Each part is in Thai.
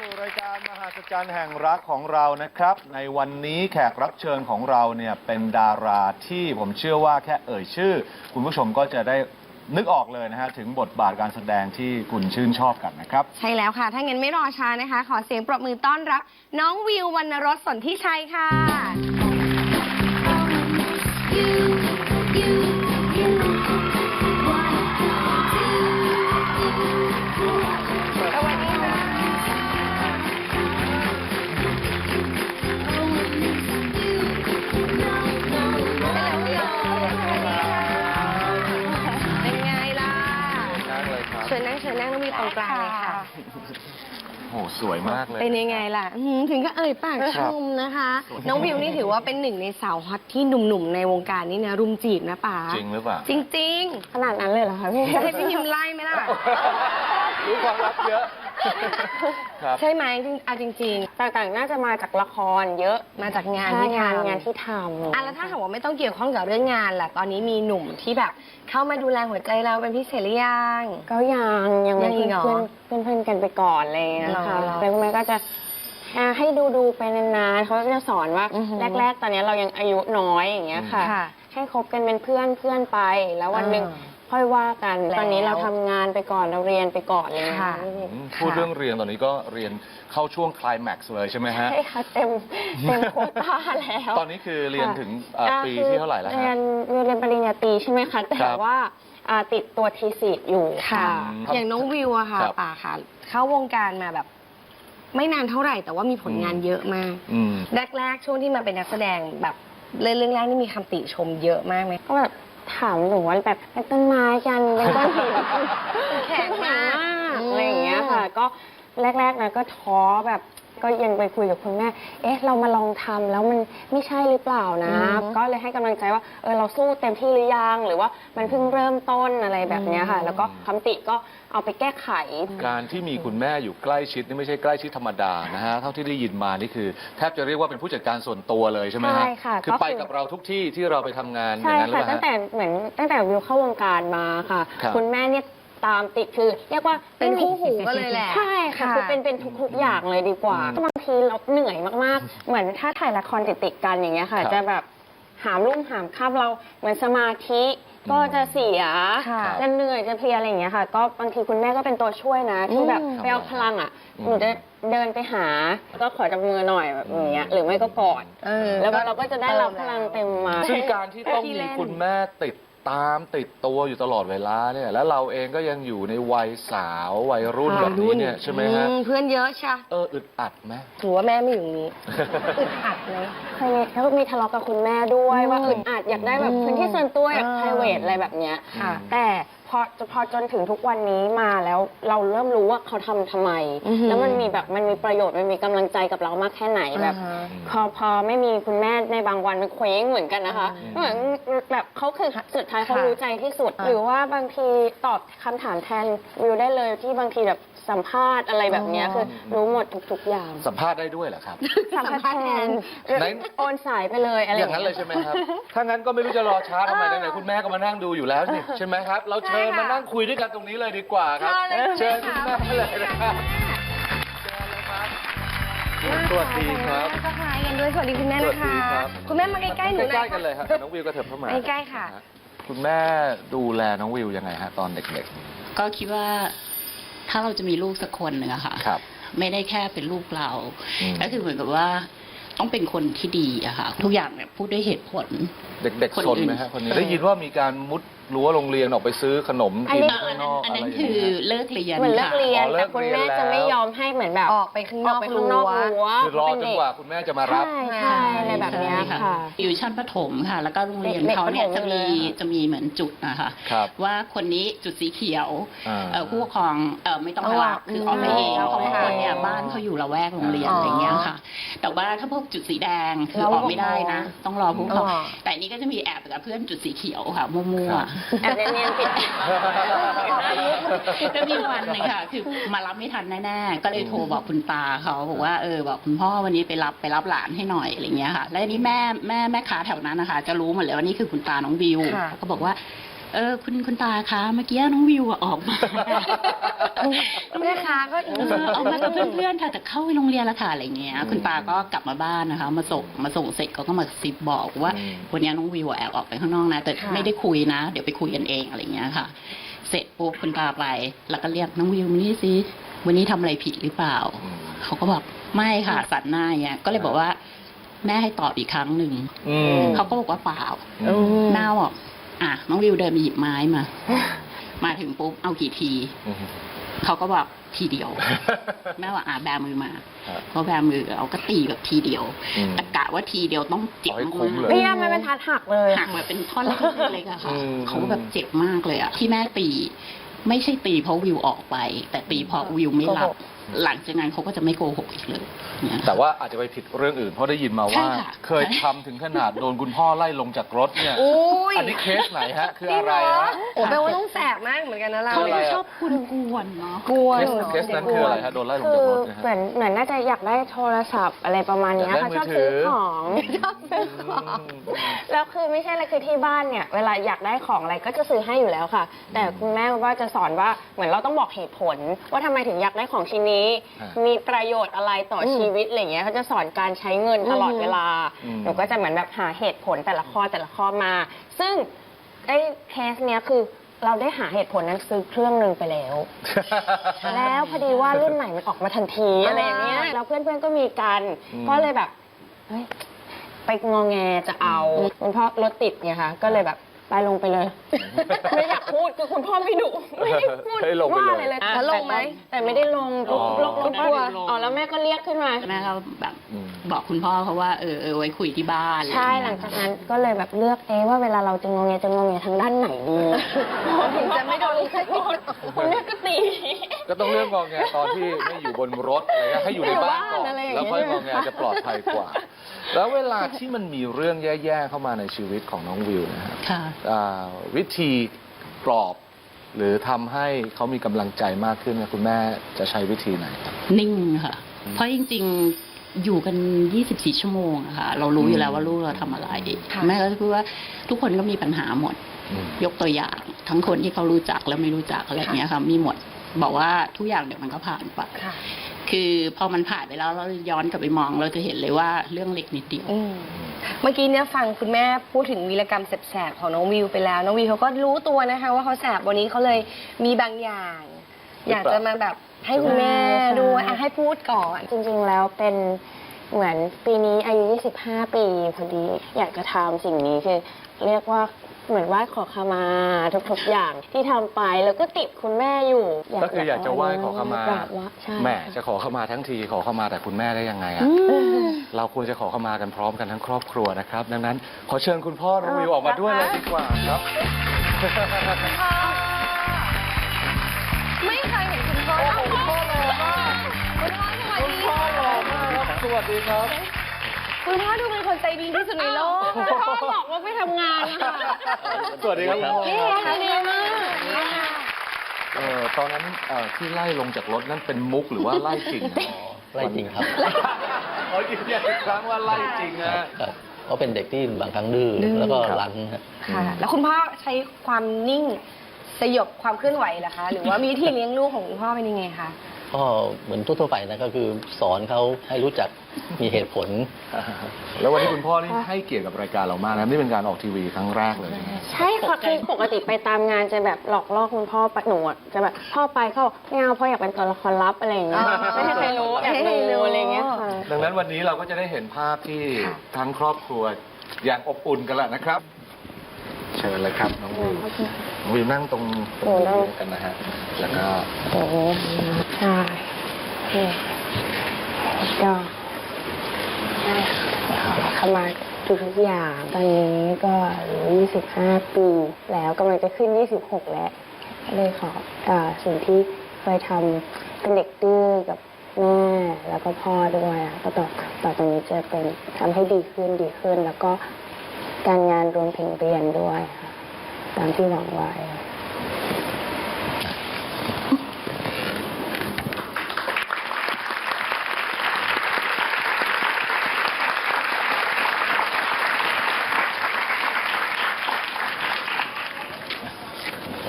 สู่รายการมหัศจรรย์แห่งรักของเรานะครับในวันนี้แขกรับเชิญของเราเนี่ยเป็นดาราที่ผมเชื่อว่าแค่เอ่ยชื่อคุณผู้ชมก็จะได้นึกออกเลยนะฮะถึงบทบาทการแสดงที่คุณชื่นชอบกันนะครับใช่แล้วค่ะถ้างั้นไม่รอช้านะคะขอเสียงปรบมือต้อนรับน้องวิววรรณรสสนธิชัยค่ะเชิญนั่งน้องวิวตรงกลางเลยค่ะโอ้สวยมากเลยเป็นยังไงล่ะถึงก็เอ่ยปากชมนะคะน้องวิวนี่ถือว่าเป็นหนึ่งในสาวฮอตที่หนุ่มๆในวงการนี้นะรุมจีบนะป๋าจริงหรือเปล่าจริงขนาดนั้นเลยเหรอคะพี่ให้พี่ยิมไล่ไหมล่ะรู้ความลับเยอะใช่ไหมจริงๆต่างๆน่าจะมาจากละครเยอะมาจากงานที่ทำแล้วถ้าหากว่าไม่ต้องเกี่ยวข้องกับเรื่องงานล่ะตอนนี้มีหนุ่มที่แบบเข้ามาดูแลหัวใจเราเป็นพิเศษหรือยังก็ยังเป็นเพื่อนกันไปก่อนเลยนะคะแต่คุณแม่ก็จะให้ดูไปนานๆเขาจะสอนว่าแรกๆตอนนี้เรายังอายุน้อยอย่างเงี้ยค่ะให้คบกันเป็นเพื่อนไปแล้ววันหนึ่งค่อยว่ากันตอนนี้เราทำงานไปก่อนเราเรียนไปก่อนเลยค่ะพูดเรื่องเรียนตอนนี้ก็เรียนเข้าช่วงไคลแม็กซ์เลยใช่ไหมฮะใช่ค่ะเต็มโควต้าแล้วตอนนี้คือเรียนถึงปีที่เท่าไหร่แล้วฮะเรียนปริญญาตรีใช่ไหมคะแต่ว่าติดตัวทีสิทธิ์อยู่ค่ะอย่างน้องวิวอะค่ะป่าค่ะเข้าวงการมาแบบไม่นานเท่าไหร่แต่ว่ามีผลงานเยอะมากแรกช่วงที่มาเป็นนักแสดงแบบเรื่องแรกนี่มีคำติชมเยอะมากไหมก็แบบถามหนูว่าแบบเป็นต้นไม้กันเป็นก้อนหินแข็งมากอะไรอย่างเงี้ยค่ะก็แรกๆนะก็ท้อแบบก็ยังไปคุยกับคุณแม่เรามาลองทำแล้วมันไม่ใช่หรือเปล่านะก็เลยให้กำลังใจว่าเราสู้เต็มที่หรือยังหรือว่ามันเพิ่งเริ่มต้นอะไรแบบนี้ค่ะแล้วก็คำติก็เอาไปแก้ไขการที่มีคุณแม่อยู่ใกล้ชิดนี่ไม่ใช่ใกล้ชิดธรรมดานะฮะเท่าที่ได้ยินมานี่คือแทบจะเรียกว่าเป็นผู้จัดการส่วนตัวเลยใช่ไหมฮะใช่ค่ะคือไปกับเราทุกที่ที่เราไปทำงานใช่ค่ะตั้งแต่วิวเข้าวงการมาค่ะคุณแม่เนี่ยตามติดคือเรียกว่าเป็นคู่หูก็เลยแหละใช่ค่ะคือเป็นทุกอย่างเลยดีกว่าบางทีเราเหนื่อยมากๆเหมือนถ้าถ่ายละครติดกันอย่างเงี้ยค่ะจะแบบหามรุ่งหามค่ำเราเหมือนสมาธิก็จะเสียจะเหนื่อยจะเพลียอะไรอย่างเงี้ยค่ะก็บางทีคุณแม่ก็เป็นตัวช่วยนะที่แบบไปเอาพลังหนูจะเดินไปหาก็ขอจับมือหน่อยแบบอย่างเงี้ยหรือไม่ก็กอดแล้วเราก็จะได้รับพลังเต็มมาซึ่งการที่ต้องมีคุณแม่ติดตัวอยู่ตลอดเวลาเนี่ยแล้วเราเองก็ยังอยู่ในวัยสาววัยรุ่นแบบนี้เนี่ยใช่ไหมฮะเพื่อนเยอะใช่อึดอัดไหมถือว่าแม่ไม่อยู่นี้อึดอัดไหมเคยมีทะเลาะกับคุณแม่ด้วยว่าอึดอัดอยากได้แบบพื้นที่ส่วนตัวอยาก private อะไรแบบเนี้ยแต่พอจนถึงทุกวันนี้มาแล้วเราเริ่มรู้ว่าเขาทำไมแล้วมันมีประโยชน์มันมีกำลังใจกับเรามากแค่ไหนแบบพอไม่มีคุณแม่ในบางวันมันเคว้งเหมือนกันนะคะเหมือนแบบเขาคือสุดท้ายเขารู้ใจที่สุดหรือว่าบางทีตอบคำถามแทนวิวได้เลยที่บางทีแบบสัมภาษณ์อะไรแบบนี้คือรู้หมดทุกอย่างสัมภาษณ์ได้ด้วยเหรอครับสัมภาษณ์แทนโอนสายไปเลยอะไรอย่างนั้นเลยใช่ไหมครับถ้างั้นก็ไม่รู้จะรอช้าทำไมไหนคุณแม่ก็มานั่งดูอยู่แล้วนี่ใช่ไหมครับเราเชิญมานั่งคุยด้วยกันตรงนี้เลยดีกว่าครับเชิญคุณแม่เลยนะครับสวัสดีครับก็คล้ายกันด้วยสวัสดีคุณแม่นะคะคุณแม่มาใกล้ๆหนูหน่อยใกล้ๆกันเลยครับน้องวิวก็เถิบเข้ามาใกล้ๆค่ะคุณแม่ดูแลน้องวิวยังไงฮะตอนเด็กๆก็คิดว่าถ้าเราจะมีลูกสักคนหนึ่งอะค่ะไม่ได้แค่เป็นลูกเราก็คือเหมือนกับว่าต้องเป็นคนที่ดีอะค่ะทุกอย่างเนี่ยพูดด้วยเหตุผลเด็กๆสนไหมฮะคนนี้ได้ยินว่ามีการมุดรั้วโรงเรียนออกไปซื้อขนมกินข้างนอกอันนั้นคือเลิกเรียนเหมือนเลิกเรียนแต่คุณแม่จะไม่ยอมให้เหมือนแบบออกไปข้างนอกรั้วคือรอจนกว่าคุณแม่จะมารับใช่อะไรแบบนี้ค่ะอยู่ชั้นประถมค่ะแล้วก็โรงเรียนเขาเนี่ยจะมีเหมือนจุดนะคะว่าคนนี้จุดสีเขียวผู้ปกครองไม่ต้องรับคือออกไปเองเพราะว่าคนเนี่ยบ้านเขาอยู่ละแวกโรงเรียนอะไรเงี้ยค่ะแต่ว่าถ้าพวกจุดสีแดงคือออกไม่ได้นะต้องรอผู้ปกครองแต่นี้ก็จะมีแอบกับเพื่อนจุดสีเขียวค่ะมั่วแอบเนียนๆปิดก็มีวันหนึ่งค่ะคือมารับไม่ทันแน่ๆก็เลยโทรบอกคุณตาเขาบอกว่าบอกคุณพ่อวันนี้ไปรับหลานให้หน่อยอะไรเงี้ยค่ะแล้วนี่แม่ค้าแถวนั้นนะคะจะรู้หมดเลยว่านี่คือคุณตาน้องวิวก็บอกว่าคุณตาคะเมื่อกี้น้องวิวออกมาแม่ค้าก็ออกมากับเพื่อนๆค่ะแต่เข้าไปโรงเรียนแล้วค่ะอะไรเงี้ยคุณตาก็กลับมาบ้านนะคะมาส่งเสร็จก็มาซิบบอกว่าวันนี้น้องวิวแอบออกไปข้างนอกนะแต่ไม่ได้คุยนะเดี๋ยวไปคุยกันเองอะไรเงี้ยค่ะ เสร็จปุ๊บคุณตาไปแล้วก็เรียกน้องวิวมานี่สิวันนี้ทำอะไรผิดหรือเปล่าเขาก็บอกไม่ค่ะสันหน้าเงี้ยก็เลยบอกว่าแม่ให้ตอบอีกครั้งหนึ่งเขาก็บอกว่าเปล่าหน้าบอกน้องวิวเดินไปหยิบไม้มาถึงปุ๊บเอากี่ทีเขาก็บอกทีเดียวแม่ว่าแบมือมาเขาแบมือเอาก็ตีแบบทีเดียวตะกะว่าทีเดียวต้องเจ็บมากพี่ยามันเป็นทัดหักเลยหักแบบเป็นท่อนเล็กๆอะค่ะเขาแบบเจ็บมากเลยอะที่แม่ตีไม่ใช่ตีเพราะวิวออกไปแต่ตีเพราะวิวไม่รับหลังจากนั้นเขาก็จะไม่โกหกอีกเลยแต่ว่าอาจจะไปผิดเรื่องอื่นเพราะได้ยินมาว่าเคยทำถึงขนาดโดนคุณพ่อไล่ลงจากรถเนี่ยอันนี้เคสไหนฮะคืออะไรฮะโอ้แปลว่าต้องแสบมากเหมือนกันนะเราเขาชอบกวนเนาะกวนเคสนั้นคืออะไรฮะโดนไล่ลงจากรถเหมือนน่าจะอยากได้โทรศัพท์อะไรประมาณนี้ค่ะชอบซื้อของแล้วคือไม่ใช่อะไรคือที่บ้านเนี่ยเวลาอยากได้ของอะไรก็จะซื้อให้อยู่แล้วค่ะแต่คุณแม่ว่าจะสอนว่าเหมือนเราต้องบอกเหตุผลว่าทำไมถึงอยากได้ของชิ้นนี้มีประโยชน์อะไรต่อชีวิตอะไรเงี้ยเขาจะสอนการใช้เงินตลอดเวลาหนูก็จะเหมือนแบบหาเหตุผลแต่ละข้อมาซึ่งไอ้เคสเนี้ยคือเราได้หาเหตุผลนั้นซื้อเครื่องนึงไปแล้วแล้วพอดีว่ารุ่นใหม่มันออกมาทันทีอะไรอย่างเงี้ยแล้วเพื่อนๆก็มีกันก็เลยแบบเฮ้ยไปงอแงจะเอาคุณพ่อรถติดไงคะก็เลยแบบไปลงไปเลยไม่อยากพูดคือคุณพ่อไม่ดุไม่ได้พูดว่าอะไรเลยแล้วลงไหมแต่ไม่ได้ลงลงตัวแล้วแม่ก็เรียกขึ้นมาแม่เขาแบบบอกคุณพ่อเขาว่าไว้คุยที่บ้านใช่หลังจากนั้นก็เลยแบบเลือกว่าเวลาเราจะงอแงทางด้านไหนดีถึงจะไม่โดนคุณแม่ก็ตีก็ต้องเลือกงอแงตอนที่ไม่อยู่บนรถอะไรเงี้ยให้อยู่ในบ้านก่อนแล้วค่อยงอแงจะปลอดภัยกว่าแล้วเวลาที่มันมีเรื่องแย่ๆเข้ามาในชีวิตของน้องวิวนะครับวิธีปลอบหรือทำให้เขามีกำลังใจมากขึ้นคุณแม่จะใช้วิธีไหนนิ่งค่ะเพราะจริงๆอยู่กัน24ชั่วโมงอะค่ะเรารู้อยู่แล้วว่าลูกเราทำอะไรแม่ก็จะพูดว่าทุกคนก็มีปัญหาหมดยกตัวอย่างทั้งคนที่เขารู้จักและไม่รู้จักอะไรอย่างเงี้ยค่ะมีหมดบอกว่าทุกอย่างเดี๋ยวมันก็ผ่านไปคือพอมันผ่านไปแล้วเราย้อนกลับไปมองเราจะเห็นเลยว่าเรื่องเล็กนิดเดียวเมื่อกี้เนี่ยฟังคุณแม่พูดถึงวีรกรรมแสบๆของน้องวิวไปแล้วน้องวิวเขาก็รู้ตัวนะคะว่าเขาแสบวันนี้เขาเลยมีบางอย่าง อยากจะมาแบบให้คุณแม่ดูให้พูดก่อนจริงๆแล้วเป็นเหมือนปีนี้อายุ25ปีพอดีอยากจะทำสิ่งนี้คือเรียกว่าเหมือนไหว้ขอขมาทุกๆอย่างที่ทำไปแล้วก็ติดคุณแม่อยู่ก็คืออยากจะไหว้ขอขมาแม่จะขอขมาทั้งทีขอขมาแต่คุณแม่ได้ยังไงอ่ะเราควรจะขอขมากันพร้อมกันทั้งครอบครัวนะครับดังนั้นขอเชิญคุณพ่อน้องวิวออกมาด้วยเลยดีกว่าครับไม่เคยเห็นคุณพ่อคุณพ่อหล่อมากคุณพ่อหล่อมากสวัสดีครับคุณพ่อดูเป็นคนใจดีที่สุดในโลกพ่อบอกว่าไม่ทำงานนะคะสวัสดีครับพ่อดีมากตอนนั้นที่ไล่ลงจากรถนั่นเป็นมุกหรือว่าไล่จริงไล่จริงครับยืนยันอีกครั้งว่าไล่จริงนะเพราะเป็นเด็กที่บางครั้งดื้อแล้วก็รั้นค่ะแล้วคุณพ่อใช้ความนิ่งสยบความเคลื่อนไหวเหรอคะหรือว่ามีวิธีเลี้ยงลูกของคุณพ่อเป็นยังไงคะก็เหมือนทั่วๆไปนะก็คือสอนเขาให้รู้จักมีเหตุผลแล้ววันนี้คุณพ่อนี่ให้เกียรติกับรายการเรามากนะนี่เป็นการออกทีวีครั้งแรกเลยใช่ค่ะคือปกติไปตามงานจะแบบหลอกล่อคุณพ่อปะหนูจะแบบพ่อไปเขาไม่เอาพ่ออยากเป็นตัวละครลับอะไรอย่างเงี้ยไม่ให้ใครรู้อยากรู้อะไรเงี้ยค่ะดังนั้นวันนี้เราก็จะได้เห็นภาพที่ทั้งครอบครัวอย่างอบอุ่นกันแหละนะครับเชิญเลยครับน้องวิวน้องวิวนั่งตรงนี้กันนะฮะแล้วก็ใช่ก็เข้ามาทุกอย่างตอนนี้ก็25ปีแล้วกำลังจะขึ้น26แล้วเลยขอสิ่งที่เคยทำเป็นเด็กดื้อกับแม่แล้วก็พ่อด้วยก็ต่อจากนี้จะเป็นทำให้ดีขึ้นแล้วก็การงานรวมถึงเรียนด้วยค่ะตามที่หวังไว้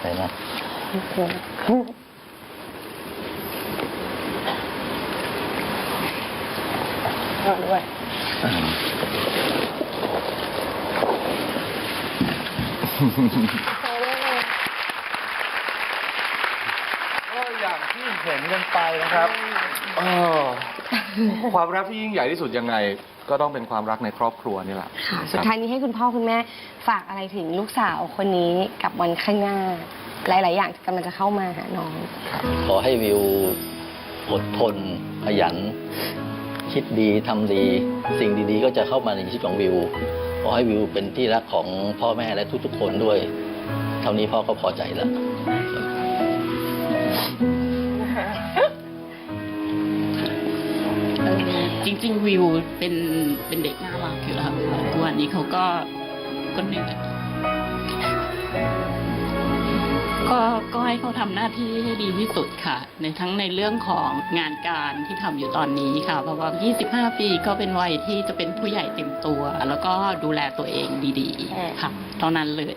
ไหนนะเราด้วยก็อย่างที่เห็นกันไปนะครับความรักที่ยิ่งใหญ่ที่สุดยังไง ก็ต้องเป็นความรักในครอบครัวนี่แหละค่ะ สุดท้ายนี้ให้คุณพ่อคุณแม่ฝากอะไรถึงลูกสาวคนนี้กับวันข้างหน้า หลาย ๆ อย่างกำลังจะเข้ามาหาน้องขอให้วิวอดทนขยัน คิดดีทำดี สิ่งดีๆ ก็จะเข้ามาในชีวิตของวิว ขอให้วิวเป็นที่รักของพ่อแม่และทุกๆ คนด้วย เท่านี้พ่อก็พอใจแล้วจริง ๆ วิวเป็นเด็กน่ารักอยู่แล้วค่ะทุกวันนี้เขาก็เหนื่อยก็ให้เขาทำหน้าที่ให้ดีที่สุดค่ะในเรื่องของงานการที่ทำอยู่ตอนนี้ค่ะเพราะว่า25 ปีก็เป็นวัยที่จะเป็นผู้ใหญ่เต็มตัว แล้วก็ดูแลตัวเองดีๆค่ะเท่านั้นเลย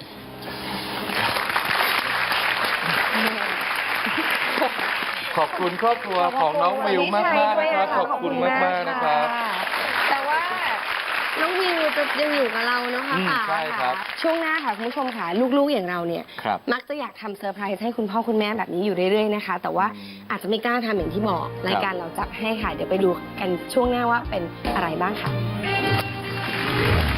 ขอบคุณครอบครัวของน้องวิวมากๆนะครับ ขอบคุณมากๆนะครับแต่ว่าน้องวิวจะยังอยู่กับเราเนาะค่ะป๋าใช่ครับช่วงหน้าค่ะคุณผู้ชมค่ะลูกๆอย่างเราเนี่ยครับมักจะอยากทำเซอร์ไพรส์ให้คุณพ่อคุณแม่แบบนี้อยู่เรื่อยๆนะคะ แต่ว่าอาจจะไม่กล้าทำอย่างที่บอกรายการเราจัดให้ค่ะ เดี๋ยวไปดูกันช่วงหน้าว่าเป็นอะไรบ้างค่ะ